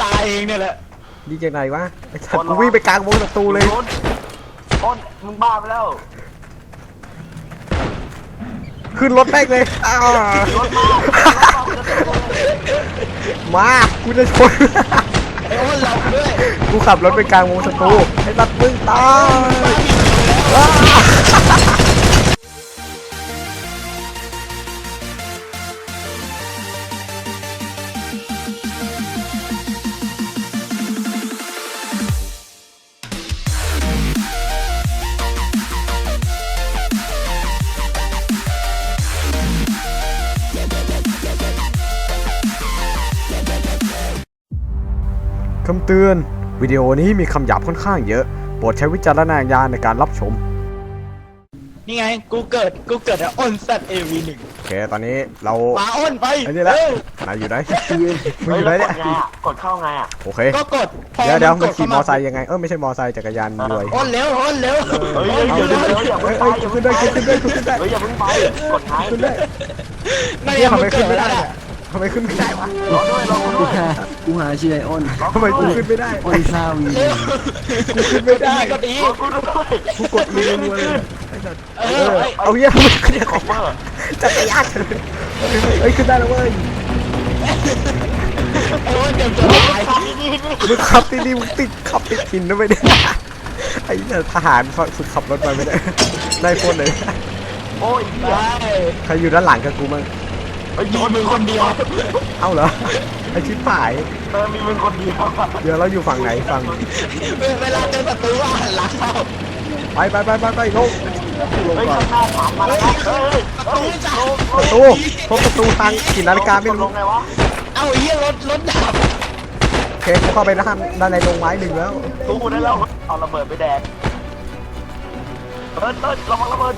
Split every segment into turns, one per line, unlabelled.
ตายเองเนี่ยแหละ
ดีจากไหนวะไอ้สัตว์กูวิ่งไปกลางวงศัตรูเลย
ต้นมึงบ้าไปแล้ว
ขึ้นรถแม่งเลยมากูจะชน
ไอ้อ้นเราด้วย
กูขับรถไปกลางวงศัตรูไอ้ตัดมึงตายคำเตือนวิดีโอนี้มีคำหยาบค่อนข้างเยอะโปรดใช้วิจารณญาณในการรับชม
นี่ไงกูเกิดอ้นสัตว์AV1
โอเคตอนนี้เรา
มาอ้นไป
ไอ้นี่แหละนายอยู่ไหนมึงอยู่ไหนเนี่ย
กดเข้าไงอ่ะ
โอเค
ก็กด
เดี๋ยวมันขี่มอไซค์ยังไงไม่ใช่มอไซค์จักรยานด้วย
อ้นเร็ว
เฮ้ยอย่าเพิ่งไป
ขึ้นได้ขึ้นได้
เฮ้ยอย่าเพิ่งไปกดไง
ขึ้นได้
ไม่ทำไมขึ้นไม่ได้
ทำไมขึ้นไม่ได้วะ
รอด้วย
กูหาชื่อไออ้น
ทำไมกูขึ้นไม่ได้
อ้นซาวี
กูขึ้นไม่ได้
ก็ดี
กูกดมือรัวเลยเอาเยอะมึงขึ้นของมาจักรยานเฮ้ยขึ้นได้แล้วเว้ย
โอ้ยเจ็บจะตาย
มึงขับดีๆมึงติดขับติดหินด้วยไม่ได้ไอ้ทหารฝึกขับรถมาไม่ได้ได้พ้นเลย
โอ้ย
ใครอยู่ด้านหลังกับกูมั้ง
มีมึงคนเดียว
เอ้าเหรอไอชิบหาย
มีมึงคนเดียว
เดี๋ยวเราอยู่ฝั่งไหนฝั่ง
เวลาเจอศัตรูว่าหันหลังเข้า
ไปลง
เฮ้ยข้างหน้าถามมาแล้วเฮ้ย
ประตูทางกี่นาฬิกาไม่รู้
ลงไงวะ
เอ้าเฮียรถดับ
เคกูเข้าไปด้านในโรงไม้หนึ่งแล้ว
ตู้ได้แล้วเอาระเบิดไปแดกเติ้ลระวังระเบิด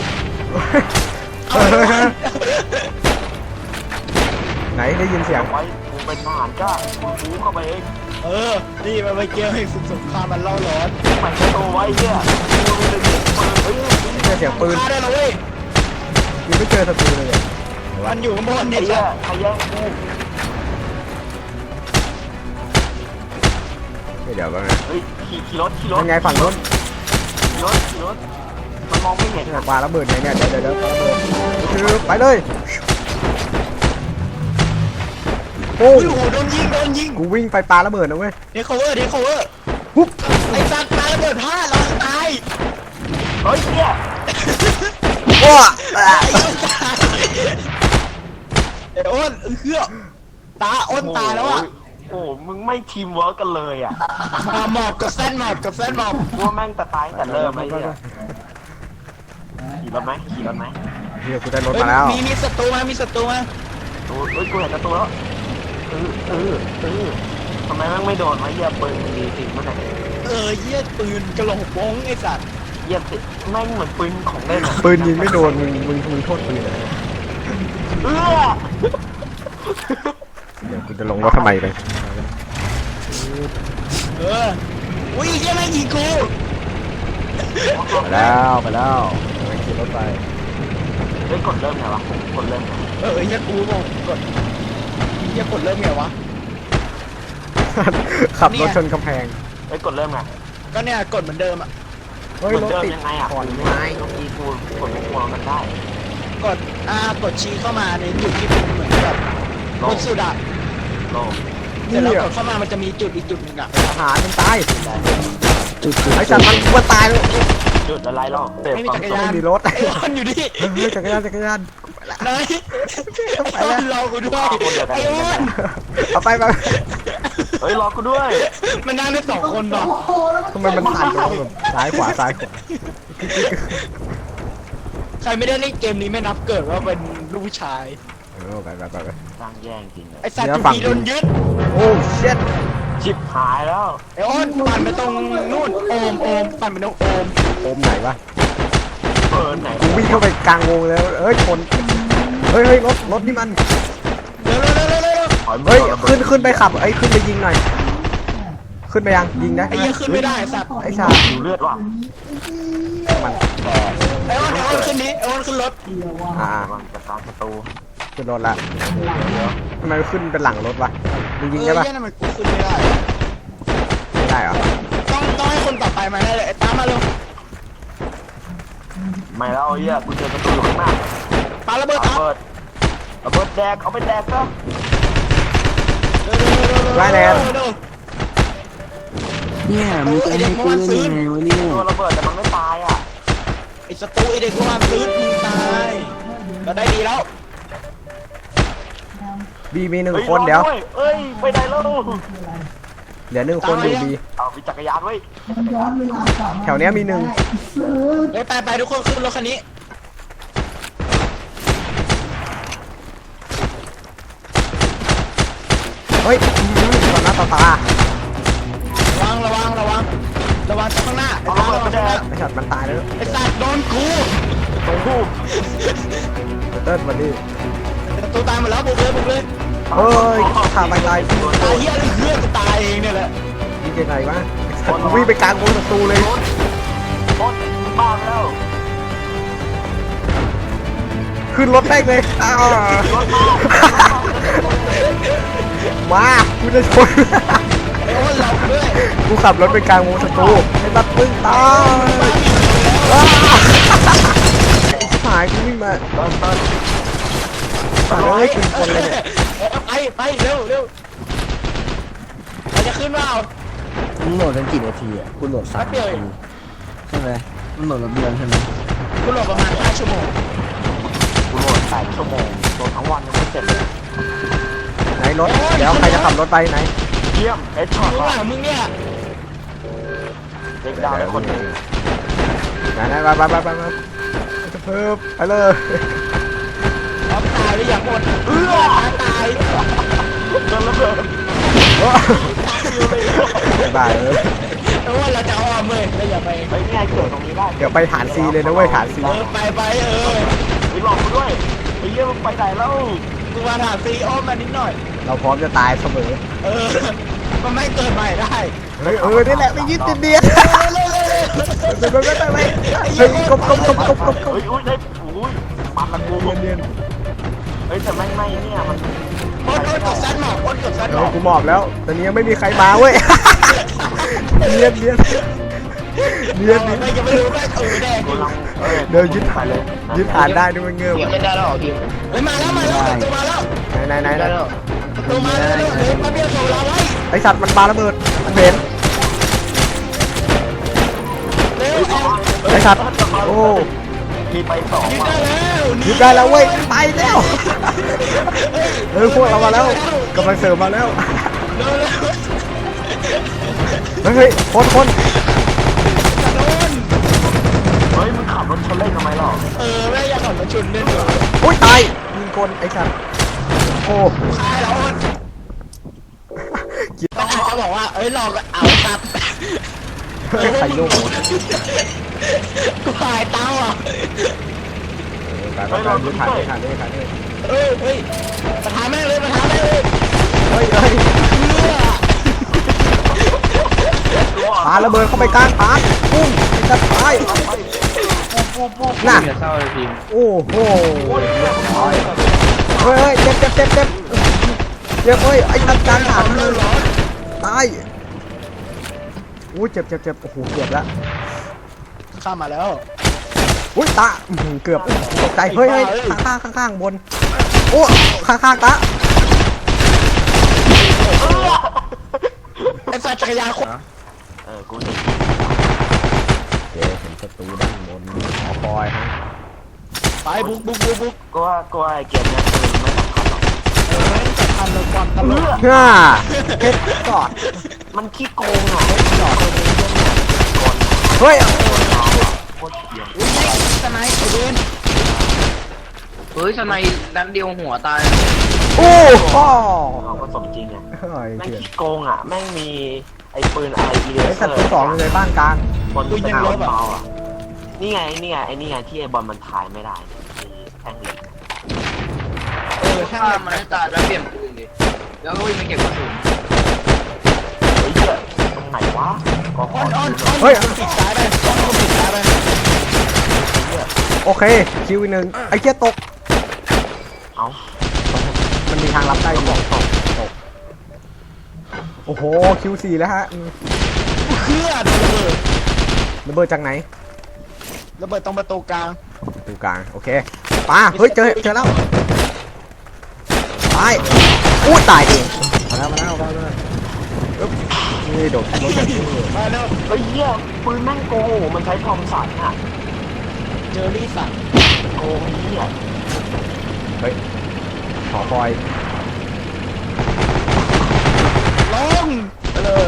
ไหนได้ยินเสียง
ไว้กูเป็นทหารจ้ากูเข้าไปเอง
นี่มันไปเกี่ยวให้สงครามมันเล่าร้อน
มันจะโตไว้เนี่ยกูมี
เสียงปืน
ได้แล้วเว้ย
ยังไม่เจอศัตรูเลย
มันอยู่ข้างบนนี่
ใครแย่งกู
เดี๋ยวก่อนนะ
เฮ้ยขี่รถ
ยังไงฝั่งนู้น
ขี่รถมันมองไม่เห็น
ปลาระเบิดไงเนี่ยเดี๋ยวปลาระเบิดไปเลย
โอ้โหโดนยิง
กูวิ่งไปปลาระเบิดนะเว้ย
เดี๋ยว cover ปุ๊บไอ้สัตว์ปลาระเบิดพลาดเราตาย
เฮ้ยเนี่ย
ว้า
ไอ้อ้นอ้นตายแล้วอ่ะ
โอ้มึงไม่ทีมเวิร์กกันเลยอ่ะ
หมอบกับเส้นหมอบ
ว่าแม่งตายแต่เริ่มไอ้เนี่ยขี่รถไหม
เฮียกูได้รถมาแล้ว
มีศัตรูมา
โอ้ยกูเห็นตัวแล้วทำไมแม่งไม่โดนวะเหี้ยปืนมีติดมั้งไหน
เหี้ยปืนกระโหลกโป้งไอ้สัตว์
เหี้ยติดแม่งเหมือนปืนของเล่นอ่ะ
ปืนยิงไม่โดนมึงโทษปืนเลยเดี๋ยวกูจะลงรถทำไมเลย
อุ้ยเหี้ยแม่งยิงกู
ไปแล้วไปขี่รถไป
กดเริ่มไงวะกดเริ่ม
เหี้ยกูบอกกดเริ่มไงวะ
ขับรถชนกำแพง
กดเริ่มไง
ก็เนี่ยกดเหมือนเดิมอ่ะ
เฮ้ยรถติด
ยังไงอ่ะ
ขอนไม้
ต้องมีกูกดหัวมันได้
กดชี้เข้ามาในจุดที่เป็นเหมือนแบบรถสุดอะเดี๋ยวเรากดเข้ามามันจะมีจุดอีกจุดหนึ่งอะ
ทหารมันตายจุดไอ้สัตว์มันว่าตายแล้ว
จุดอะไรหรอ
ไม่มีจักรยาน
มีรถ
ไอ้อ้นอยู่ดิ
จักรยาน
ไหนไอ้อ้นรอกูด้วยไอ้อ้น
เอาไป
เฮ้ยรอกูด้วย
มันนั่งได้2 คนป่ะ
ทำไมมันผ่านแบบซ้ายขวา
ใครไม่ได้เล่นเกมนี้ไม่นับเกิดว่าเป็นลูกผู้ชาย
ไป
ตั้งแย่งจริงเลย
ไอ้สัตว์ที่โดนยึด
โอ้เช็ด
ชิบหายแล้ว
ไอ้อ้นปั่นไปตรงนู่นโอมปั่นไปตรง
โอมไหนวะ
ไหน
กูวิ่งเข้าไปกลางวงแล้วชนเฮ้ยรถนี่มัน
เร็ว
ขึ้นไปขับขึ้นไปยิงหน่อยขึ้นไปยังยิงนะ
ไอ้ยังขึ้นไม่ได้สัตว์
ไอ้ชา
อยู่เลือดว่ะ
มัน
ไอ้อ้นขึ้นนี้ไอ้อ้นขึ้นรถ
มันจะตามประตู
ขึ้นรถละทำไมขึ้นเป็นหลังรถวะมึงยิงได้ปะ
เหี้ยนั่นมันกูขึ้นไม่ได้
ไม่ได้เหรอ
ต้องให้คนต่อไปมาได้เลยไอ้ตามมาเร็ว
ไม่แล้วไอ้เหี้ยกูเจอประตูอยู่ข้างหน้า
ปาระเบิดตาม
ระเบิดแดกเอาไปแดกก็
ได้แนน
เนี่ยมึงจะให้กูเล่นยังไงวะเนี่ย
ตัวระเบิดแต่มันไม่ตายอ่ะ
ไอ้สตูไอ้เด็กพวกมันซื้อมึงตายเราได้ดีแล้ว
บีมี1 คนเดี๋ยว
เอ้ยไปไหนแล้ว
เหลือ1 คนอยู่บี
เอามีจักรยานไว้
แถวเนี้ยมี1
เฮ้ยไปทุกคนขึ้นรถคันนี้
เฮ้ยต่อหน้าต่อตา
ระวังข้างหน้าไอ้
เอา
ตาม
ระเบิดไปแดก
ไอ้สัตว์มันตายแล้ว
ไอ้สัตว์โดนกู
ตรงคู่
เติร์ดวันนี้
ประตูตายหมดแล้วบุกเลย
เฮ้ยขาไปตาย
ตายเหี้ยอะไรเพื่อนกูตายเองเนี่ยแหละ
ยิงยังไงวะไอ้สัตว์วิ่งไปกลางวงศัตรูเลย
รถบ้าแล้ว
ขึ้นรถได้เลยอ้าว
รถมา
มากูจะชน
ไอ้โอ้นเราด้วย
กูขับรถไปกลางวงศัตรูไอ้บัดปึ้งตายอ้าวไอ้ชิบหายกูวิ่งมา
เติ้ล
ตายเลยเป็นคนเลยเนี่ย
ไปเร็วเราจะขึ้นเปล่า
มึงโหลดกันกี่นาทีอ่ะกูโหลด3
แป๊บเดียวเอง
ใช่ไหมมันโหลดระเบียงใช่ไหม
กูโหลดประมาณ5 ชั่วโมง
กูโหลด8 ชั่วโมงโหลดทั้งวันยังไม่เสร็จเลย
ไหนรถเดี๋ยวใครจะขับรถไปไหน
เยี่ยมเอ็ดช็อต
ข้างหลังมึงเนี่ย
เด็กดาวได้คนหนึ่ง
ไหนไปจะเพิ่มไปเลย
พร้อมตายหรือยังหมดตาย
โดนระเบิด
บายเลย
เพราะว่าเราจะอ้อมเลยเราอย่าไป
เฮ้ยนี่ไงเกิดตรงนี้ได้
เดี๋ยวไปฐานซีเลยนะเว้ยฐานซี
ไป
ไปหลอกกูด้วยไอ้เยี่ยมไปไหนแล้ว
กูมาถามซีอ้อมมานิดหน่อย
เราพร้อมจะตายเสมอ
มันไม่เกิดใหม่ได้
เฮ้ยนี่แหละไม่ยึดติดเดียไปเฮ้ยกบ
เฮ้ยอุ้ยได้อุ้ยมันละกู
เนียน
เฮ้ยแต่ไม่เนี่ยมัน
โอ๊ตกดซัดหมอกโอ๊ตกดซัดหม
เฮ้
อย ก
กูหมอบแล้วตอนนี้ยังไม่มีใครมาเว้ยเนียน
ไม่ยังไม่รู้ว่าแดง
กูลัง
เดี๋ยวยึดฐานเลยยึดฐานได้ด้วยมันเงื่อน
ไม่ได้แล้วพิมเฮ้ยมาแล้วตัวมาแล้ว
ไหน
ตัวมาแล้วเฮ้ยมาเบี้ยโซลาไว้
ไอสัตว์มันปาระเบิดมันเห็น
เร็ว
ไอสัตว์โอ้
มีไป2
ยิง
ว่ะ
ได้แล้ว
ยึดได้แล้วเว้ยไปแล้วพวกเรามาแล้วกำลังเสริมมาแล้ว
เร็ว
เฮ้ยคน
โดน
เฮ้ยมึงขับรถชนเล่นทำไมหรอ
แม่อยากขับรถชนเล่นเหรอ
อุ้ยตายยิงคนไอ้สัตว์โอ้
ตายแล้วก็อาจจะบอกว่าหลอกเอาครับ
ใครโยก
กูหายเต้าอ่ะ
ไปยึดฐานเลย
เฮ้ยประธานแม่เลย
เฮ้ยปาระเบิดเข้าไปกลางฐานปุ้งจะตายน่ะโอ้โหเฮ้ยเจ็บเฮ้ยไอ้ตัดกลางฐานเลยตายอู้เจ็บโอ้โหเกือบแล้ว
ข้ามมาแล้ว
อุ้ยตาเกือบตกใจเฮ้ยข้างบนโอ้ข้างตา
ไอ้สัตว์จักรยานคน
กูนี่
เห็นศัตรูด้านบนหอคอยฮะ
ไปบุก
ก็ว่าไอ้เกมเนี่ยคือไม่สำคัญหรอก
ไม่สำคัญเลยความตลก
ฮ่าเฮ็ดกอด
มันขี้โกงอ่ะ
เฮ้ย
โคตรเหี้ย
สไนป์ไอ้เวน
เฮ้ยทำไมนัดเดียวหัวตาย
โอ้พ่อ
เราก็สมจริงอ่ะ
เฮ้ย
แม่ง
เถื่อน
ขี้โกงอ่ะแม่งมีไอ้ปืนอะไรอีเล
ไอ้
เซ
สั
อ
ตว์
ร์
ที่สองอยู่ในบ้านกลาง
บนสนามบอลเบาอ่ะนี่ไงที่ไอ้บอลมันถ่ายไม่ได้แท่งเหล็ก
ช่าง
ถ้า
มัน
มันให้ตายแล้วเปลี่ยนปืนดิ แล้วก็วิ่งไปเก็บกระสุน
เฮ้ยเหี้ยตรงไหนวะก็ขอ
อ้อน
เฮ้ย
ปิดซ้ายไปปิดซ้ายไป
โอเคคิวอีกหนึ่งไอ้เกียตก
เอา
มีทางรับได้อยู่ตกโอ้โหคิว4แล้วฮะ
เคลื่อนระเบิด
ระเบิดจากไหน
ระเบิดตรงประตูกลาง
ตรงกลางโอเคปาเฮ้ยเจอแล้วตายอู้ตายเองมาแล้วอึ๊บนี่โดดรถแบบนี้
มาแล้ว
เฮ้ยเหี้ยปืนแม่งโกงมันใช้ทอมสันอ่ะ
เจอรี่สัน
โกงเหี้ย
เฮ้ยขอคอย
ลงไปเลย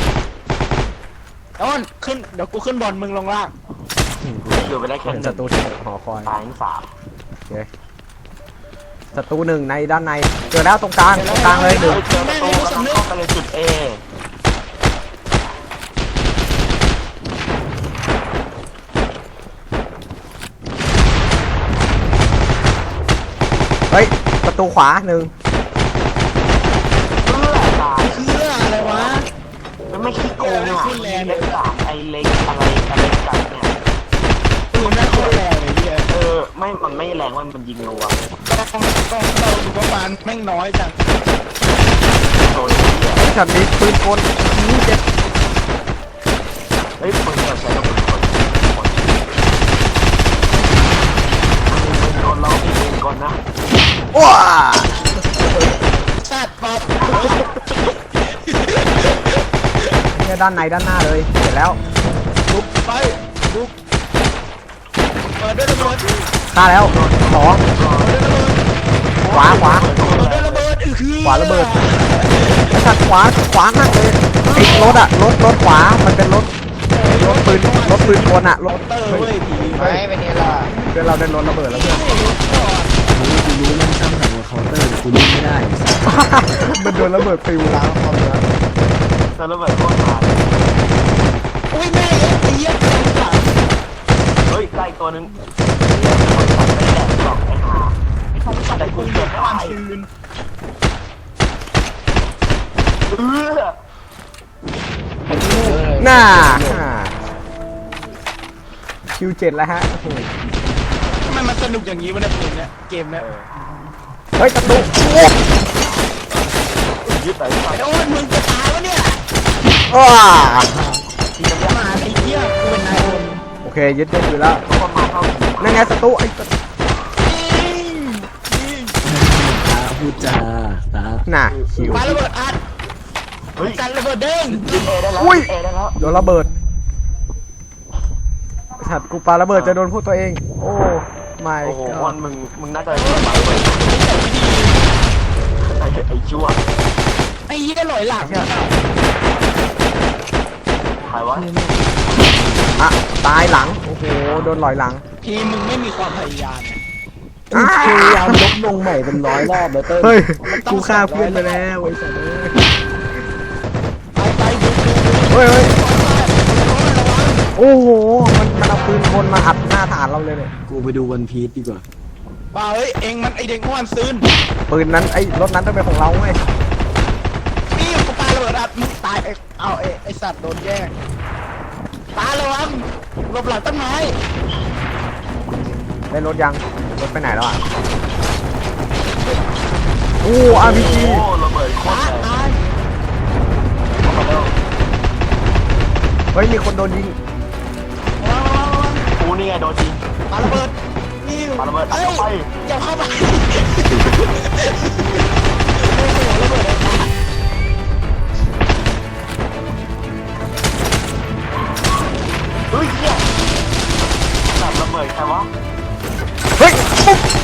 ต้นขึ้นเดี๋ยวกูขึ้นบอลมึงลงล่าง
อยู่ไปได้แค่
เห็น
ห
ศั
นึ่ง
ตรูหอคอย
ตายทั้งสาม
โอเคศัตรู1ในด้านในเจอแล้วตรงกลางเลยหนึ่ง
เจอประตูกำลังเข้าไปในจุด A
เฮ้ยประตูขวา1
เพื่อตาย
เคลื่อนอะไรวะ
มันไม่ขี้โกงอ่ะเล็กสามไอเล็กอะไรกันเนี่ย
ปืนแม่งโคตรแรงเลยเฮีย
ไม่มันไม่แรงว่ามันยิงรัว
ต้องเราดูประมาณแม่งน้อยจัง
โดนเหี้ย
ช็อตนี้ปืนกลนี่เจ็บ
เฮ้ยปืนเราใช้กับปืนคนเรามีปืนกลนะ
ว้า
สัตว์ปอบ
เนี่ยด้านในด้านหน้าเลยเสร็จแล้ว
ลุกไปลุกเปิดด้วยระเบิด
ฆ่าแล้วสองขวา
เปิดด้วยระเบิดคือ
ขวาระเบิดไอ้สัตว์ขวานั่งเลยไอ้รถอะรถขวามันเป็นรถปืนกลอะรถ
เตอร์เว้ยผี
ไม่เป็นไงล่ะ
เดี๋ยวเราได้รถระเบิดแล้วเพื่อน
กูรู้มันสร้างสรรค์กับเคาน์เตอร์กูยิงไม่ได้
มันโดนระเบิดปิวแล้วความเนื้อ
แล้วระเบิดโคตรตาย
อุ้ยแม่ไอ้เหี้ยสัตว์
เฮ้ยไล่ตัวนึงไม่แหลกหรอกไอ้ห่าไอ้ทอมสันแต่กู
ปืน
เก็บ
แบ
ไม่
บ
ได้
คืน
น่าคิว7แล้วฮะโอ้โห
ทำไมมันสนุกอย่างนี้วะเนี่ยปืนเนี่ยเกมเนี่ย
เฮ้ยประตูโอ้
ยึดไปก่อน
ไอ้โอ้ยมึงจะตายวะเนี่ย
ว้า
มาไอ้เหี้ยกูเป็นนายคน
โอเคยึดได้อยู่แล้ว
ทุกคนมาเข้าผี
นั่นไงศัตรูไอ้
ตาพูดจาตา
น่ะคิว
ปาระเบิดอัด
เฮ้ย
กันระเบิดเด้ง
ยึดเอได้แล้ว
อุ้ย
เอได้แล้ว
โดนระเบิดไอ้สัตว์กูปาระเบิดจะโดนพวกตัวเองโอ้ไม่
โอ้โหวันมึงน่าจะเจ็บไปเลยไอ้ชั่ว
ไอ้เหี้ยหลอยหลังเนี่ย
ใครวะ
อะตายหลังโอ้โหโดนลอยหลัง
ทีมมึงไม่มีความพยายามเนี่ย
พยายามลบลงใหม่เป็น100 รอบแล้วเต้ย
เฮ้ยกูฆ่าเพื่อนไปแล้วไอ้สัตว์
ไปดู
เฮ้ยโอ้โหมันเอาปืนกลมาอัดหน้าฐานเราเลยเนี่ย
กูไปดูวันพีซดีกว่า
ป่าเฮ้ยเองมันไอเด็กม้วนซื้น
ปืนนั้นไอ้รถนั้นต้องเป็นของเราไง
นี่กูปาระเบิดอัดมึงตายเอาไอสัตว์โดนแย่งตาระวังหลบหลังต้นไม้
ได้รถยังรถไปไหนแล้วอ่ะโอ้อาร์พีจี
โอ้ระเบิดโคต
ตาร
แรง
ตาย
เข้ามาแล้ว
เฮ้ยมีคนโดนยิง
ระวัง
กูนี่ไงโดนยิง
ปาระเบิดนี่
ปาระเบิดอัด
เอ้ย
เข้าไป
อย่าเข้าไปโอ้โหระเบิดเลย
เฮ้ยเหี้ยแบบระเบิดใครวะ
เฮ้ยปุ๊บ